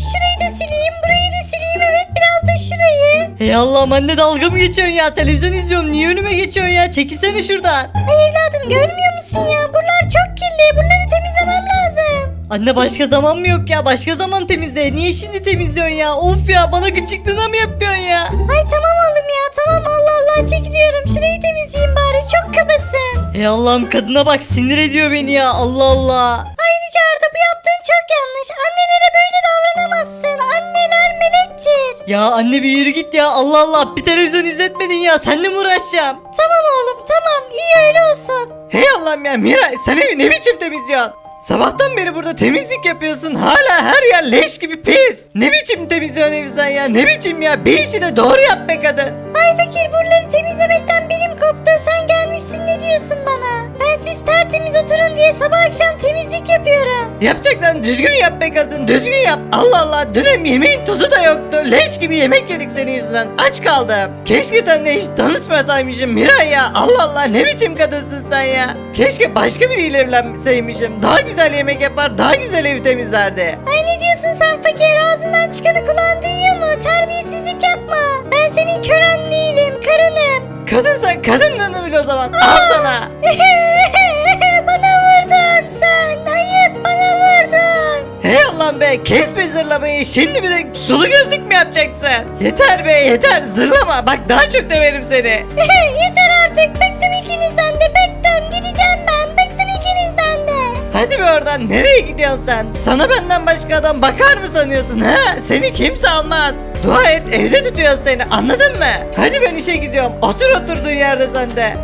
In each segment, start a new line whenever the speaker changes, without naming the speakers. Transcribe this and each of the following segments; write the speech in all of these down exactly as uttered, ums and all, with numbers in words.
Şurayı da sileyim, burayı da sileyim. Evet, biraz da şurayı.
Hey Allah'ım anne, dalga mı geçiyorsun ya? Televizyon izliyorum, niye önüme geçiyorsun ya? Çekilsene şuradan.
Ay evladım, görmüyor musun ya? Buralar çok kirli. Buraları temizlemem lazım.
Anne başka zaman mı yok ya? Başka zaman temizle. Niye şimdi temizliyorsun ya? Of ya, bana gıcıklığına mı yapıyorsun ya?
Ay tamam oğlum ya, tamam, Allah Allah, çekiliyorum. Şurayı temizleyeyim bari, çok kabasın.
Hey Allah'ım, kadına bak, sinir ediyor beni ya. Allah Allah.
Ayrıca Arda, bu yaptığın çok yanlış. Annelere böyle davranamazsın. Anneler melektir.
Ya anne bir yürü git ya. Allah Allah, bir televizyon izletmedin ya. Seninle mi uğraşacağım?
Tamam oğlum, tamam, iyi öyle olsun.
Hey Allah'ım ya, Miray sen evi ne biçim temizliyorsun? Sabahtan beri burada temizlik yapıyorsun, hala her yer leş gibi pis. Ne biçim temizliyorsun evi sen ya, ne biçim ya, bir işi de doğru yap be kadın.
Ay fakir, buraları temizlemekten benim koptu. Sen gelmişsin, ne diyorsun bana? Ben siz tertemiz oturun diye sabah akşam temizlik yapıyorum.
Yapacaksan düzgün yap be kadın, düzgün yap. Allah Allah, dün hem yemeğin tuzu da yoktu, leş gibi yemek yedik senin yüzünden, aç kaldım. Keşke seninle hiç tanışmasaymışım Miray ya. Allah Allah, ne biçim kadınsın sen ya. Keşke başka biriyle evlenseymişim, daha güzel yemek yapar, daha güzel evi temizlerdi.
Ay ne diyorsun sen fakir? Ağzından çıkanı kulağın duyuyor mu? Terbiyesizlik yapma. Ben senin kölen değilim, karınım.
Kadınsan kadınlığını bil o zaman, al sana.
Bana vurdun sen. Ayıp, bana vurdun.
Hey Allah'ım be, kes be zırlamayı, şimdi bir de sulu gözlük mü yapacaksın? Yeter be yeter, zırlama, bak daha çok döverim seni.
Yeter artık. Bıktım ikinizden de, bıktım. Gideceğim ben. Bıktım ikinizden de.
Hadi be oradan, nereye gidiyorsun sen? Sana benden başka adam bakar mı sanıyorsun ha? Seni kimse almaz. Dua et, evde tutuyoruz seni, anladın mı? Hadi ben işe gidiyorum, otur oturduğun yerde sen de.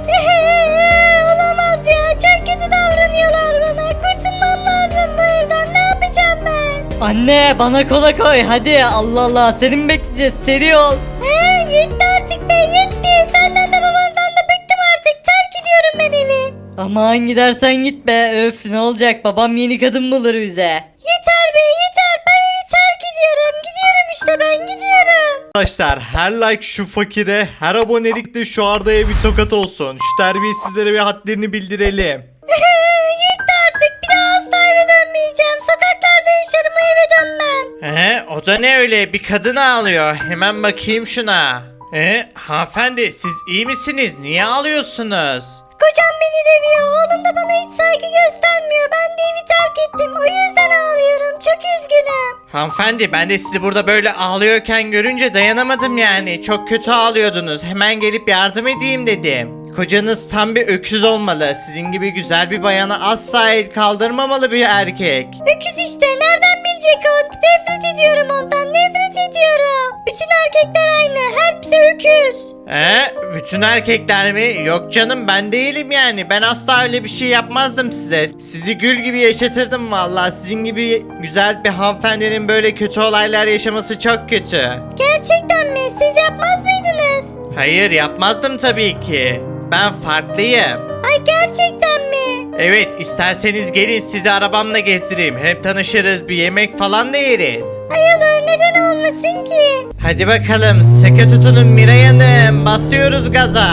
Olamaz ya. Çok kötü davranıyorlar bana. Kurtulmam lazım bu evden. Ne yapacağım ben?
Anne bana kola koy hadi. Allah Allah, seni mi bekleyeceğiz? Seri ol.
He, yetti artık be, yetti. Senden de babandan da bıktım artık. Terk ediyorum ben evi.
Aman gidersen git be. Öf, ne olacak, babam yeni kadın bulur bize.
Yeter be, yeter. Ben evi terk ediyorum. Gidiyorum işte, ben gidiyorum.
Arkadaşlar her like şu fakire, her abonelik de şu Arda'ya bir tokat olsun. Şu terbiyesizlere bir hadlerini bildirelim.
Yetti artık. Bir daha asla eve dönmeyeceğim. Sokaklarda yaşarım, o eve dönmem.
Ee, o da ne öyle? Bir kadın ağlıyor. Hemen bakayım şuna. Ee, hanımefendi siz iyi misiniz? Niye ağlıyorsunuz?
Kocam beni dövüyor. Oğlum da bana hiç saygı göstermiyor. Ben de evi terk ettim. O yüzden ağlıyorum. Çok üzgünüm.
Hanımefendi ben de sizi burada böyle ağlıyorken görünce dayanamadım yani. Çok kötü ağlıyordunuz. Hemen gelip yardım edeyim dedim. Kocanız tam bir öküz olmalı. Sizin gibi güzel bir bayana asla el kaldırmamalı bir erkek.
Öküz işte. Nereden bilecek o? Nefret ediyorum ondan. Nefret ediyorum. Bütün erkekler aynı. Hepsi öküz.
Ee, bütün erkekler mi? Yok canım ben değilim yani. Ben asla öyle bir şey yapmazdım size. Sizi gül gibi yaşatırdım vallahi. Sizin gibi güzel bir hanımefendinin böyle kötü olaylar yaşaması çok kötü.
Gerçekten mi? Siz yapmaz mıydınız?
Hayır yapmazdım tabii ki. Ben farklıyım.
Ay gerçekten mi?
Evet isterseniz gelin sizi arabamla gezdireyim. Hem tanışırız bir yemek falan da yeriz.
Ay olur, neden olmasın ki?
Hadi bakalım sıkı tutunun Miray Hanım. Basıyoruz gaza.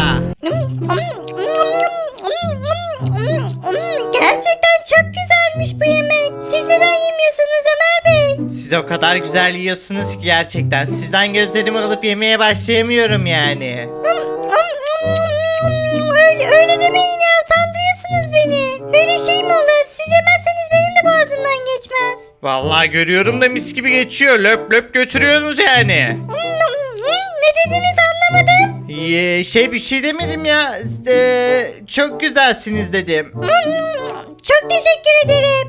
Gerçekten çok güzelmiş bu yemek. Siz neden yemiyorsunuz Ömer Bey?
Siz o kadar güzel yiyorsunuz ki gerçekten. Sizden gözlerimi alıp yemeye başlayamıyorum yani.
Öyle, öyle demeyin ya, utandırıyorsunuz beni. Öyle şey mi olur? Siz yemezseniz benim de boğazımdan geçmez.
Vallahi görüyorum da mis gibi geçiyor. Löp löp götürüyorsunuz yani.
Ne dediniz anlamadım.
Ee, şey bir şey demedim ya. Ee, çok güzelsiniz dedim.
Çok teşekkür ederim.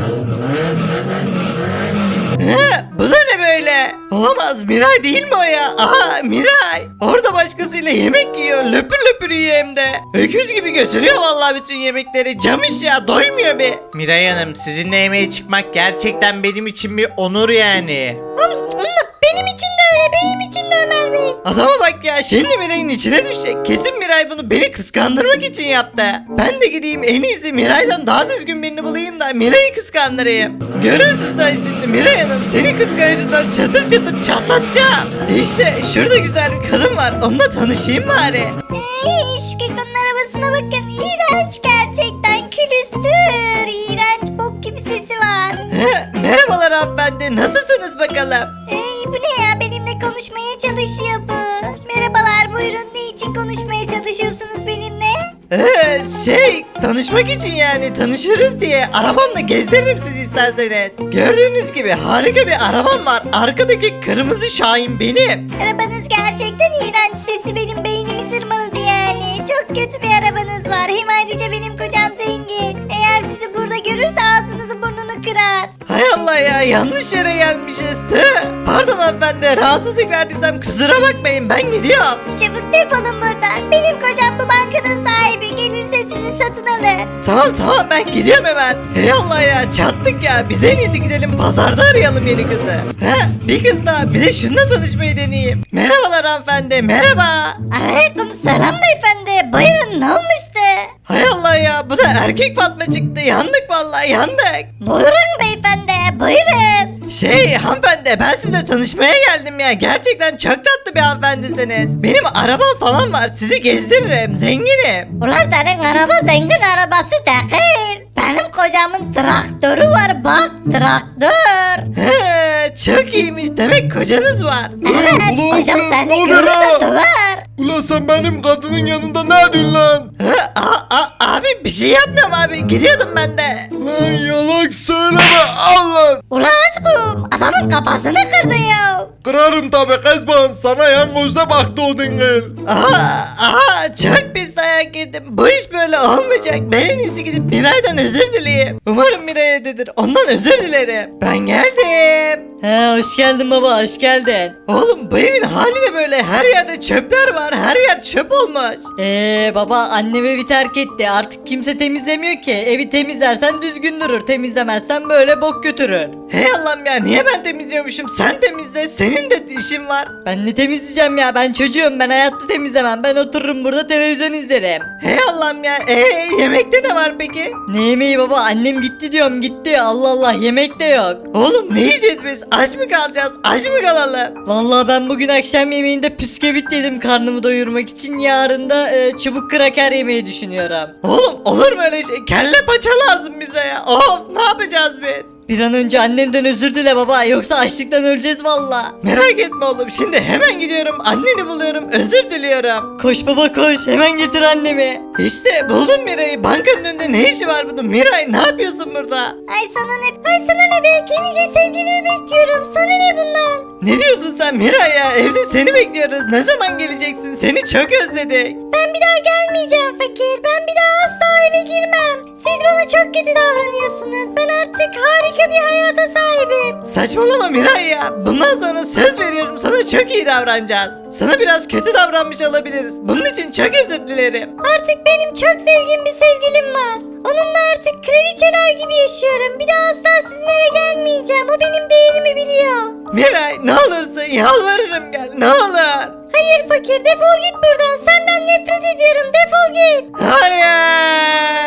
He, bu da ne böyle? Olamaz, Miray değil mi o ya? Aha, Miray. Orada başkasıyla yemek yiyor, löpür löpür yiyor hem de. Öküz gibi götürüyor vallahi bütün yemekleri. Camış ya, doymuyor bir.
Miray Hanım sizinle yemeğe çıkmak gerçekten benim için bir onur yani.
Benim için de öyle, benim için de Ömer Bey.
Adama bak ya, şimdi Miray'ın içine düşecek. Kesin Miray bunu beni kıskandırmak için yaptı. Ben de gideyim en iyisi Miray'dan daha düzgün birini bulayım da Miray'ı kıskandırayım. Görürsün sen şimdi Miray Hanım, seni kıskançlıktan çatır çatır çatlatacağım. İşte şurada güzel bir kadın var, onunla tanışayım bari.
Ey, şu kekonun arabasına bakın. İğrenç gerçekten, külüstür. İğrenç, bok gibi sesi var.
He, Merhabalar hanımefendi. Nasılsınız bakalım?
Ey bu ne ya, benimle konuşmaya çalışıyor bu. Merhabalar, buyurun, ne için konuşmaya çalışıyorsunuz benimle?
Ee, şey tanışmak için yani tanışırız diye arabamla gezdiririm sizi isterseniz. Gördüğünüz gibi harika bir arabam var. Arkadaki kırmızı Şahin benim.
Arabanız gerçekten iğrenç, sesi benim beynimi tırmaladı yani. Çok kötü bir arabanız var, hem ayrıca benim kocam zengin. Eğer sizi burada görürse ağzınızı burnunu kırar.
Hay Allah ya, yanlış yere gelmişiz. Tüh. Pardon hanımefendi, rahatsızlık verdiysem kusura bakmayın, ben gidiyorum.
Çabuk defolun buradan, benim kocam bu bankanın sahibi, gelirse sizi satın alır.
Tamam tamam, ben gidiyorum hemen. Hey Allah ya, çattık ya. Biz en iyisi gidelim pazarda arayalım yeni kızı. He, bir kız daha, bir de şununla tanışmayı deneyeyim. Merhabalar hanımefendi, merhaba.
Aleyküm selam beyefendi, buyurun, ne olmuştu?
Hay Allah ya, bu da erkek Fatma çıktı. Yandık vallahi, yandık.
Buyurun beyefendi, buyurun.
Şey hanımefendi, ben sizinle tanışmaya geldim ya. Gerçekten çok tatlı bir hanımefendisiniz. Benim arabam falan var, sizi gezdiririm, zenginim.
Ulan senin araba zengin arabası değil. Benim kocamın traktörü var, bak, traktör.
He, çok iyiymiş, demek kocanız var.
Evet,
ulan
kocam
sen,
seni
ne oluyor
görürse
lan?
döver.
Ulan sen benim kadının yanında ne yapıyorsun lan?
He, a, a, abi bir şey yapmıyorum abi, gidiyordum ben de.
Lan yalan söyleme al lan.
Ulan aşkım, adamın kafasını kırdı ya.
Kırarım tabi Kezban, sana yan gözle baktı o dingil.
Aha, aha, çok pis dayak yedim. Bu iş böyle olmayacak. Ben en iyisi gidip Miray'dan özür dileyeyim. Umarım Miray evdedir. Ondan özür dilerim. Ben geldim.
He hoş geldin baba, hoş geldin.
Oğlum bu evin hali ne böyle? Her yerde çöpler var. Her yer çöp olmuş.
Eee baba, annem evi terk etti. Artık kimse temizlemiyor ki. Evi temizlersen düzgün durur. Temizlemezsen böyle bok götürür.
Hey Allah'ım ya, niye ben temizliyormuşum? Sen temizle. Senin de işin var.
Ben ne temizleyeceğim ya? Ben çocuğum. Ben hayatta temizlemem. Ben otururum burada televizyon izlerim.
Hey Allah'ım ya. Eee yemekte ne var peki?
Ne yemeği baba? Annem gitti diyorum, gitti. Allah Allah, yemek de yok.
Oğlum ne yiyeceğiz biz? Aç mı kalacağız? Aç mı kalalım?
Vallahi ben bugün akşam yemeğinde püskevit yedim karnımı doyurmak için. Yarın da e, çubuk kraker yemeyi düşünüyorum.
Oğlum olur mu öyle şey? Kelle paça lazım bize ya. Of, ne yapacağız biz?
Bir an önce annemden özür dile baba, yoksa açlıktan öleceğiz valla.
Merak etme oğlum, şimdi hemen gidiyorum, anneni buluyorum, özür diliyorum.
Koş baba koş, hemen getir annemi.
İşte buldum Miray'ı. Bankanın önünde ne işi var bunun? Miray, ne yapıyorsun burada?
Ay sana ne, ay sana ne be, yeni sevgilimi bekliyorum, sana ne bundan?
Ne diyorsun sen Miray ya? Evde seni bekliyoruz. Ne zaman geleceksin? Seni çok özledik.
Ben bir daha gelmeyeceğim fakir, ben bir daha asla eve girmem. Siz bana çok kötü davranıyorsunuz, ben artık harika bir hayata sahibim.
Saçmalama Miray ya. Bundan sonra söz veriyorum, sana çok iyi davranacağız. Sana biraz kötü davranmış olabiliriz. Bunun için çok özür dilerim.
Artık benim çok sevdiğim bir sevgilim var. Onunla artık kraliçeler gibi yaşıyorum. Bir daha asla sizin eve gelmeyeceğim. O benim değerimi biliyor.
Miray, ne olursun yalvarırım, gel ne olur.
Hayır fakir, defol git buradan. Senden nefret ediyorum. Defol git.
Hayır.